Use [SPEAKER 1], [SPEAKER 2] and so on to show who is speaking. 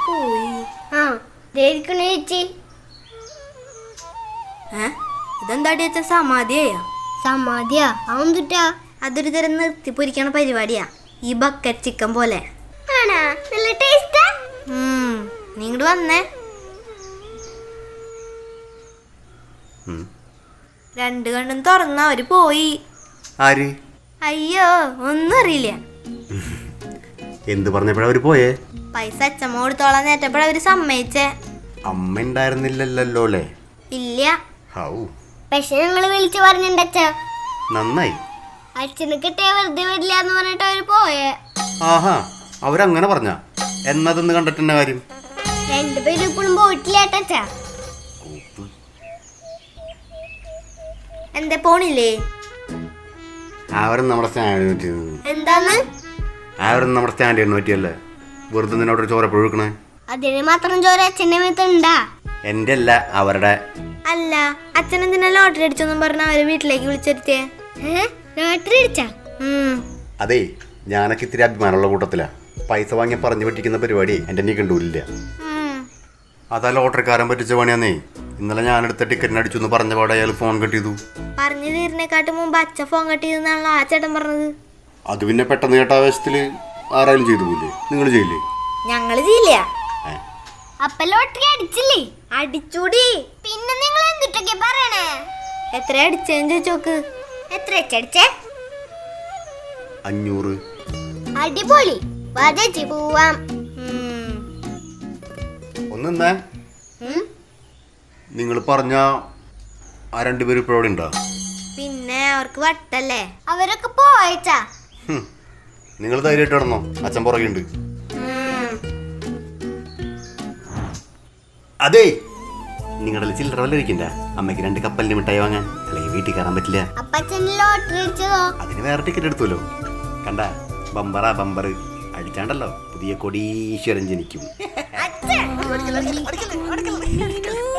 [SPEAKER 1] പോയി.
[SPEAKER 2] ആ ചേച്ചി
[SPEAKER 1] ഇതെന്താടി അച്ഛൻ സമാധിയായ?
[SPEAKER 2] സമാധിയാ അവന്തുട്ടാ?
[SPEAKER 1] അതൊരു തരം നിർത്തി പൊരിക്കണ പരിപാടിയാ, ഈ ബക്കറ്റ് ചിക്കൻ പോലെ.
[SPEAKER 2] ആണാ? നല്ല ടേസ്റ്റാ.
[SPEAKER 1] നീ ഇങ്ങോട്ട് വന്നേ. രണ്ട് കണ്ണും തുറന്ന അവര് പോയി.
[SPEAKER 3] ആര്?
[SPEAKER 1] അയ്യോ, ഒന്നും അറിയില്ല.
[SPEAKER 3] എന്ത് പറഞ്ഞപ്പോഴാ അവര് പോയേ?
[SPEAKER 1] പൈസ അച്ഛമ്മ കൊടുത്തോളാൻ നേറ്റപ്പോഴവര് സമ്മതിച്ചേ.
[SPEAKER 3] അമ്മ ഉണ്ടായിരുന്നില്ലല്ലോ അല്ലേ?
[SPEAKER 1] ഇല്ല.
[SPEAKER 3] ഹൗ
[SPEAKER 2] പക്ഷെ ഞങ്ങള് വിളിച്ചു പറഞ്ഞിട്ടച്ഛ.
[SPEAKER 3] നന്നായി.
[SPEAKER 2] അച്ഛന് കിട്ടിയ വെറുതെ വരില്ല എന്ന് പറഞ്ഞിട്ട് അവര് പോയേ.
[SPEAKER 3] ആഹാ, അവരങ്ങനെ പറഞ്ഞ എന്നതൊന്ന് കണ്ടിട്ടെന്ന കാര്യം?
[SPEAKER 2] രണ്ടുപേരും ഇപ്പോഴും പോയിട്ടില്ലേട്ടച്ച.
[SPEAKER 1] എന്താ പോണില്ലേ?
[SPEAKER 3] അവരും നമ്മുടെ സ്റ്റാൻഡിന് പറ്റിയത്.
[SPEAKER 1] എന്താന്ന്?
[SPEAKER 3] അവരും നമ്മുടെ സ്റ്റാൻഡിന് പറ്റിയല്ലേ? വെറുതെ നിന്നോടൊരു ചോര ഒഴുക്കണേ.
[SPEAKER 2] അതിന് മാത്രം ചോര അച്ഛൻ്റെ മേത്തുണ്ടാ?
[SPEAKER 3] എന്റെ അല്ല, അവരുടെ.
[SPEAKER 1] അല്ല, അച്ഛൻ എന്തിനാ ലോട്ടറി അടിച്ചൊന്നും പറഞ്ഞ അവര് വീട്ടിലേക്ക് വിളിച്ചെടുത്തേ?
[SPEAKER 2] ലോട്ടറി അടിച്ചാ?
[SPEAKER 3] അതെ, ഞാനൊക്കെ ഇത്തിരി അഭിമാനമുള്ള കൂട്ടത്തിലാ. പൈസ വാങ്ങി പറഞ്ഞു പറ്റിക്കുന്ന പരിപാടി എന്റെ നീ കണ്ടൂരില്ല. അതാ ലോട്ടറിക്കാരൻ പറ്റിച്ച പണിയാന്നേ. ഇന്നലെ ഞാനെടുത്ത ടിക്കറ്റിന് അടിച്ചു എന്ന് പറഞ്ഞ പാടെ അയാൾ ഫോൺ കട്ട് ചെയ്തു.
[SPEAKER 1] പറഞ്ഞു തീരുന്നേക്കാട്ട് മുമ്പ് അച്ഛൻ ഫോൺ കട്ട് ചെയ്തെന്നാണല്ലോ ആ ചേട്ടൻ പറഞ്ഞത്.
[SPEAKER 3] അത് പിന്നെ പെട്ടെന്ന് കേട്ട ആവേശത്തില് ആരായാലും ചെയ്തു പോയില്ലേ? നിങ്ങൾ ചെയ്യില്ലേ?
[SPEAKER 1] ഞങ്ങള് ചെയ്യില്ല.
[SPEAKER 2] അപ്പൊ ലോട്ടറി അടിച്ചില്ലേ?
[SPEAKER 1] അടിച്ചൂടി.
[SPEAKER 2] പിന്നെ നിങ്ങൾ എന്തിട്ടൊക്കെ പറയണേ?
[SPEAKER 1] എത്ര അടിച്ചേന്ന് ചോദിച്ചോക്ക്.
[SPEAKER 2] എത്ര അടിച്ചേ?
[SPEAKER 3] 500.
[SPEAKER 2] അടിപൊളി, ചേച്ചി പോവാം.
[SPEAKER 3] ഒന്നെന്നാ നിങ്ങൾ പറഞ്ഞ ആ രണ്ടുപേരും ഇപ്പോഴവിടെ ഉണ്ടോ?
[SPEAKER 1] പിന്നെ അവർക്ക് വട്ടല്ലേ.
[SPEAKER 2] അവരൊക്കെ പോയച്ചാ.
[SPEAKER 3] നിങ്ങൾ ധൈര്യമായിട്ട് ഇടണോ? അച്ഛൻ പുറകെയുണ്ട്. അതെ, നിങ്ങളുടെ ചില്ലറ വല്ല ഇരിക്കണ്ട. അമ്മയ്ക്ക് 2 കപ്പലിന് മിഠായി വാങ്ങാൻ, അല്ലെങ്കിൽ വീട്ടിൽ കയറാൻ പറ്റില്ല.
[SPEAKER 2] അപ്പച്ചൻ ലോട്ടറി അടിച്ചതോ?
[SPEAKER 3] അതിന് വേറെ ടിക്കറ്റ് എടുത്തുല്ലോ. കണ്ട, ബമ്പറാ ബമ്പർ അടിച്ചാണ്ടല്ലോ പുതിയ കൊടീശ്വരൻ ജനിക്കും.